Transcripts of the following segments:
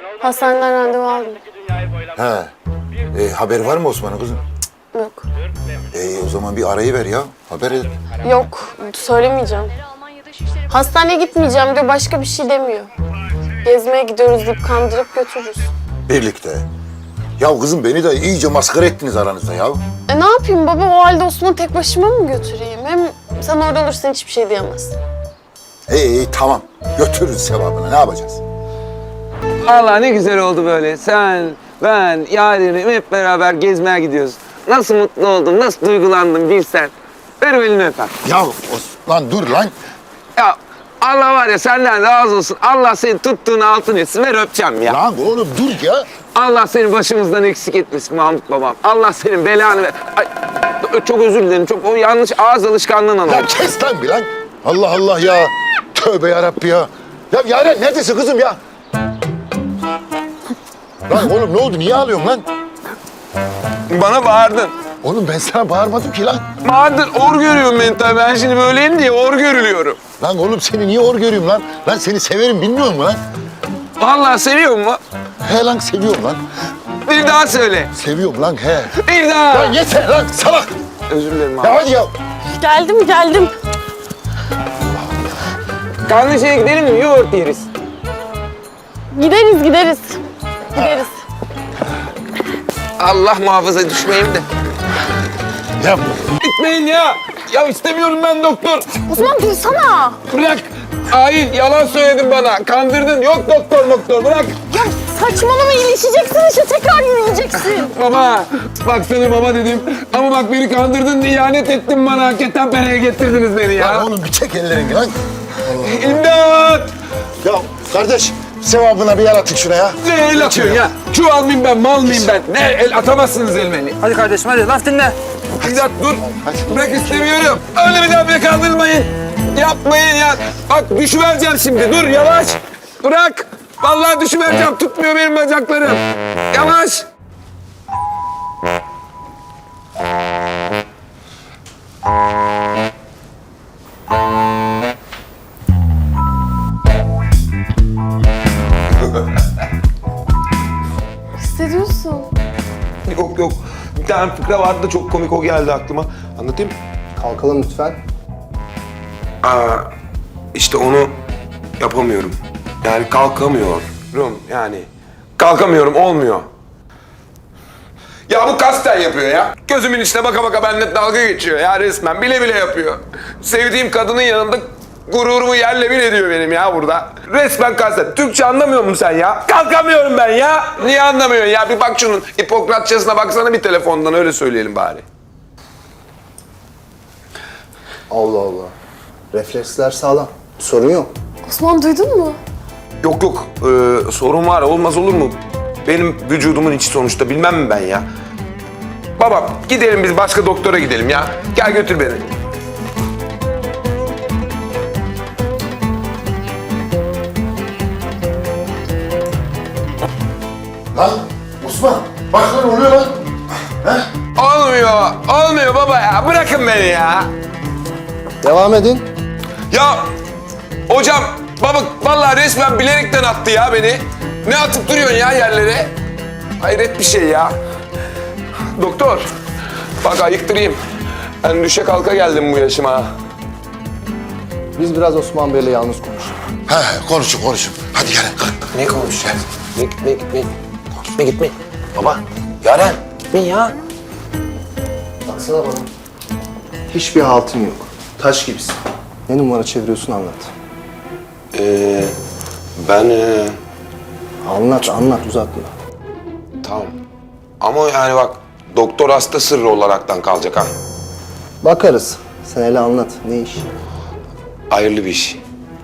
Hastaneden randevu aldım. He. Haberi var mı Osman'ın kızım? Yok. O zaman bir arayı ver ya. Haber et. Yok, söylemeyeceğim. Hastaneye gitmeyeceğim diyor, başka bir şey demiyor. Gezmeye gidiyoruz deyip kandırıp götürürüz. Birlikte. Ya kızım beni de iyice maskara ettiniz aranızda ya. Ne yapayım baba, o halde Osman'ı tek başıma mı götüreyim? Hem sen orada olursan hiçbir şey diyemezsin. İyi tamam. Götürürüz sevabını. Ne yapacağız? Allah ne güzel oldu böyle. Sen, ben, Yaren'im hep beraber gezmeye gidiyoruz. Nasıl mutlu oldum, nasıl duygulandım bilsen. Ver elini öper. Ya Osman dur lan. Ya Allah var ya senden razı olsun. Allah seni tuttuğunu altın etsin. Ver öpeceğim ya. Lan oğlum dur ya. Allah seni başımızdan eksik etmesin Mahmut babam. Allah senin belanı ver. Ay, çok özür dilerim. Çok o yanlış ağız alışkanlığından Ya oldu. kes lan bir lan. Allah Allah ya. Tövbe yarabbi ya. Ya Yaren neredesin kızım ya? Lan oğlum ne oldu? Niye ağlıyorsun lan? Bana bağırdın. Oğlum ben sana bağırmadım ki lan. Bağırdın. Or görüyorum ben tabii. Ben şimdi böyleyim diye or görülüyorum. Lan oğlum seni niye hor görüyorum lan? Lan seni severim bilmiyor musun lan? Vallahi seviyor mu? He lan seviyorum lan. Bir daha söyle. Seviyorum lan he. Bir daha. Lan yeter lan salak. Özür dilerim abi. Ya hadi ya. Geldim. Kanlı şeye gidelim mi? Yoğurt yeriz. Gideriz. Allah muhafaza düşmeyeyim de. Ya Gitmeyin ya. Ya istemiyorum ben doktor. Osman dursana. Bırak. Hain yalan söyledin bana. Kandırdın. Yok doktor bırak. Ya saçmalama, iyileşeceksin işte, tekrar yürüyeceksin. Baba. Bak sana baba dedim. Ama bak beni kandırdın. İhanet ettin bana. Ketenpere'ye getirdiniz beni ya. lan oğlum bir çek ellerini lan. İmdat. Ya kardeş sevabına bir yer atın şuna ya. Ne el atıyorsun ya? Çuval mıyım ben, mal mıyım ben? Ne el atamazsınız elime. Hadi kardeşim hadi laf dinle. İmdat dur. Hadi. Bırak istemiyorum. Öyle bir daha beni kandırmayın. Yapmayın ya. Bak düşüvereceğim şimdi. Dur yavaş. Bırak. Vallahi düşüvereceğim. Tutmuyor benim bacaklarım. Yavaş. Hissediyorsun. Yok. Bir tane fıkra vardı da çok komik o geldi aklıma. Anlatayım mı? Kalkalım lütfen. İşte onu yapamıyorum. Yani kalkamıyorum. Yani kalkamıyorum, olmuyor. Ya bu kasten yapıyor ya. Gözümün içine baka baka benimle dalga geçiyor ya resmen. Bile bile yapıyor. Sevdiğim kadının yanında gururumu yerle bir ediyor benim ya burada. Resmen kasten. Türkçe anlamıyor musun sen ya? Kalkamıyorum ben ya. Niye anlamıyorsun ya? Bir bak şunun Hipokratçasına baksana bir telefondan, öyle söyleyelim bari. Allah Allah. Refleksler sağlam. Sorun yok. Osman duydun mu? Yok. Sorun var. Olmaz olur mu? Benim vücudumun içi sonuçta. Bilmem mi ben ya? Baba gidelim biz başka doktora gidelim ya. Gel götür beni. Lan Osman bak lan oluyor lan. Olmuyor baba ya. Bırakın beni ya. Devam edin. Ya hocam baba vallahi resmen bilerekten attı ya beni. Ne atıp duruyorsun ya yerlere? Hayret bir şey ya. Doktor bak ayıktırayım. Ben düşe kalka geldim bu yaşıma. Biz biraz Osman Bey'le yalnız konuşalım. He konuşun. Hadi gelin kalk. Ne konuşacağız? Gitme. Baba, Yaren. Gitme ya. Baksana bana. Hiçbir haltın yok. Taş gibisin. Ne numara çeviriyorsun anlat. Ben Anlat uzatma. tamam. Ama yani bak doktor hasta sırrı olaraktan kalacak ha. Bakarız. Sen hele anlat. Ne iş? Hayırlı bir iş.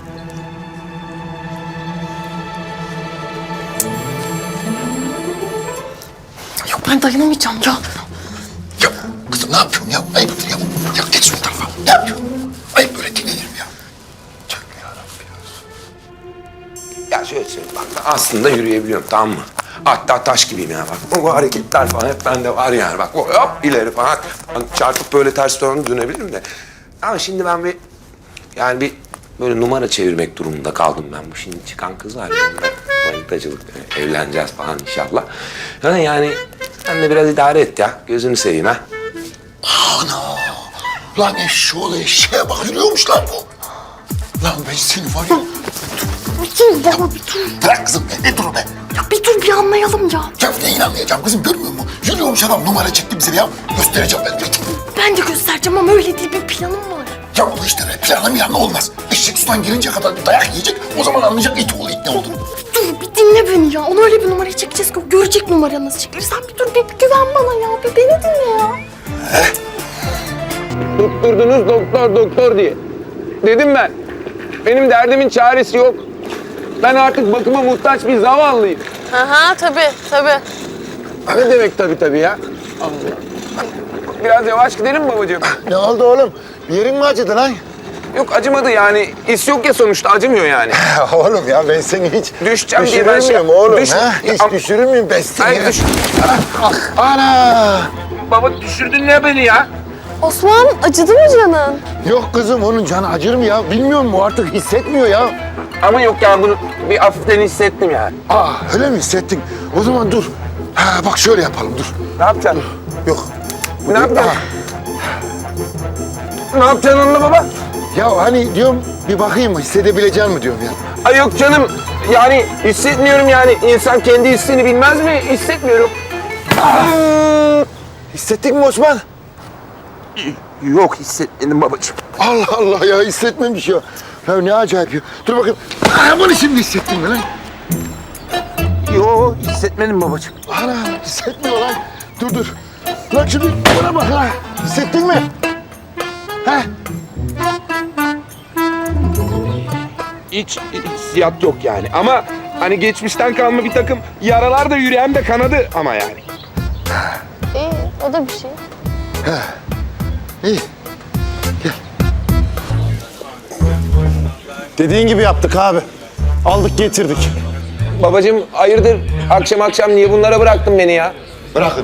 Yok ben dayanamayacağım ya. Ya kızım ne yapıyorsun ya? Ayıptır ya. Ya geç şu tarafa. Ne yapıyorsun? Ayıp böyle dinlenir mi ya? Tövbe yarabbim ya. Ya şöyle söyleyeyim bak ben aslında yürüyebiliyorum tamam mı? Hatta taş gibiyim ya bak. O hareketler falan hep bende var yani bak. Hop ileri falan. Ben çarpıp böyle ters dönebilirim de. Ama şimdi ben bir böyle numara çevirmek durumunda kaldım ben. Bu şimdi çıkan kız var ya. Manitacılık, evleneceğiz falan inşallah. Ha, yani sen de biraz idare et ya. Gözünü seveyim ha. Ana! Lan eşşoğlu eşeğe bak yürüyormuş lan bu. Lan ben seni var ya... Bir dur baba, bir dur. Bırak kızım be, ne dur be? Ya bir dur, bir anlayalım ya. Ya ne inanmayacağım kızım, görmüyor musun? Yürüyormuş adam, numara çekti bize ya. Göstereceğim ben. Ben de göstereceğim ama öyle değil, bir planım var. Ya bu işte planlamayan olmaz. Eşek sudan girince kadar bir dayak yiyecek. O zaman anlayacak it oğlu it ne olduğunu. Dur, bir dinle beni ya. Onu öyle bir numaraya çekeceğiz ki o görecek numara nasıl çekilir. Sen bir dur, bir güven bana ya. Bir beni dinle ya. Tutturdunuz doktor diye. Dedim ben. Benim derdimin çaresi yok. Ben artık bakıma muhtaç bir zavallıyım. Aha tabii. Ne demek tabii ya? Biraz yavaş gidelim mi babacığım? Ne oldu oğlum? Bir yerin mi acıdı lan? Yok acımadı yani. İs yok ya sonuçta acımıyor yani. Oğlum ya ben seni hiç Düşeceğim diye ben düşürür müyüm oğlum? Düş- Ha? Hiç Am- düşürür müyüm ben seni? Hayır düş. Ana! Baba düşürdün ne beni ya? Osman acıdı mı canın? Yok kızım onun canı acır mı ya? Bilmiyor mu artık hissetmiyor ya. Ama yok ya bunu bir hafiften hissettim yani. Öyle mi hissettin? O zaman dur. Ha, bak şöyle yapalım dur. Ne yapacaksın? Yok. Ne yapacaksın? Aha. Ne yapacaksın onunla baba? Ya hani diyorum bir bakayım mı hissedebileceğim mi diyorum ya. Ay yok canım. Yani hissetmiyorum yani. İnsan kendi hissini bilmez mi? Hissetmiyorum. Hissettin mi Osman? Yok hissetmedim babacığım. Allah Allah ya hissetmemiş ya. Ya ne acayip ya. Dur bakayım. Bunu şimdi hissettin mi lan? Yok hissetmedim babacığım. Ana hissetmiyor lan. Dur. Lan şimdi buna bak lan. Hissettin mi? He? Hiç hissiyat yok yani. Ama hani geçmişten kalma bir takım yaralar da yüreğimde kanadı ama yani. İyi o da bir şey. İyi. Dediğin gibi yaptık abi. Aldık getirdik. Babacığım hayırdır akşam niye bunlara bıraktın beni ya? Bırakın.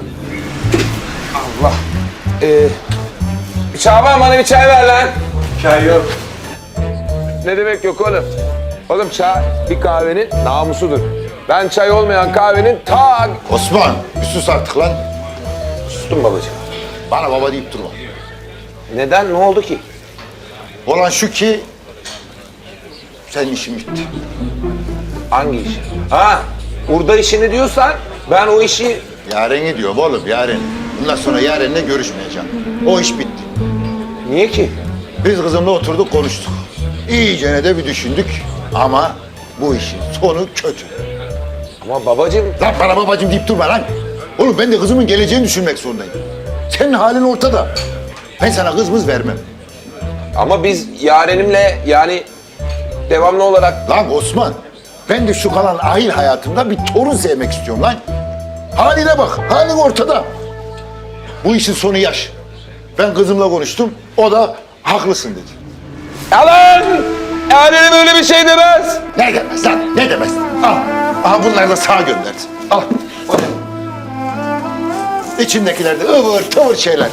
Şaban bana bir çay ver lan. Çay yok. Ne demek yok oğlum? Oğlum çay bir kahvenin namusudur. Ben çay olmayan kahvenin ta... Osman bir sus artık lan. Sustum babacığım. Bana baba deyip durma. Neden? Ne oldu ki? Olan şu ki senin işin bitti. Hangi iş? Ha, burada işini diyorsan ben o işi... Yaren'i diyorum oğlum Yaren. Bundan sonra Yaren'le görüşmeyeceğim. O iş bitti. Niye ki? Biz kızımla oturduk konuştuk. İyicene de bir düşündük ama bu işin sonu kötü. Ama babacığım... Lan bana babacığım deyip durma lan. Oğlum ben de kızımın geleceğini düşünmek zorundayım. Senin halin ortada. Ben sana kız vermem. Ama biz Yaren'imle yani devamlı olarak... Lan Osman, ben de şu kalan ahil hayatımda bir torun sevmek istiyorum lan. Haline bak, halin ortada. Bu işin sonu yaş. Ben kızımla konuştum, o da haklısın dedi. Yalan! Yaren'im öyle bir şey demez. Ne demez lan, ne demez? Al, aha bunları da sağa gönderdi. Al, o ne? İçindekiler de ıvır tıvır şeyler.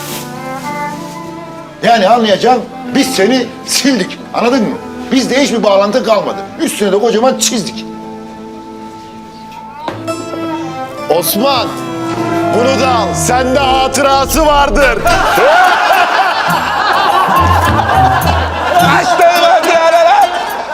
Yani anlayacağım, biz seni sildik, anladın mı? Bizde hiçbir bağlantı kalmadı. Üstüne de kocaman çizdik. Osman, bunu da al. Sende hatırası vardır. Açtığım hadi Yaren!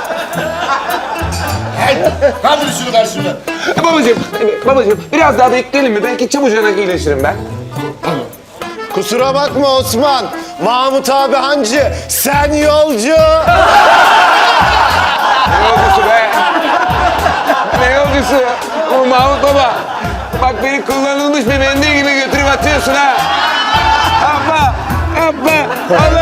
Kaldır şunu karşıma. Babacığım biraz daha bekleyelim mi? Belki çabucak iyileşirim ben. Kusura bakma Osman. Mahmut abi hancı, sen yolcu. Ne yolcusu be? Ne yolcusu? O Mahmut baba. Bak beni kullanılmış bir mendil gibi götürüp atıyorsun ha. Yapma. Allah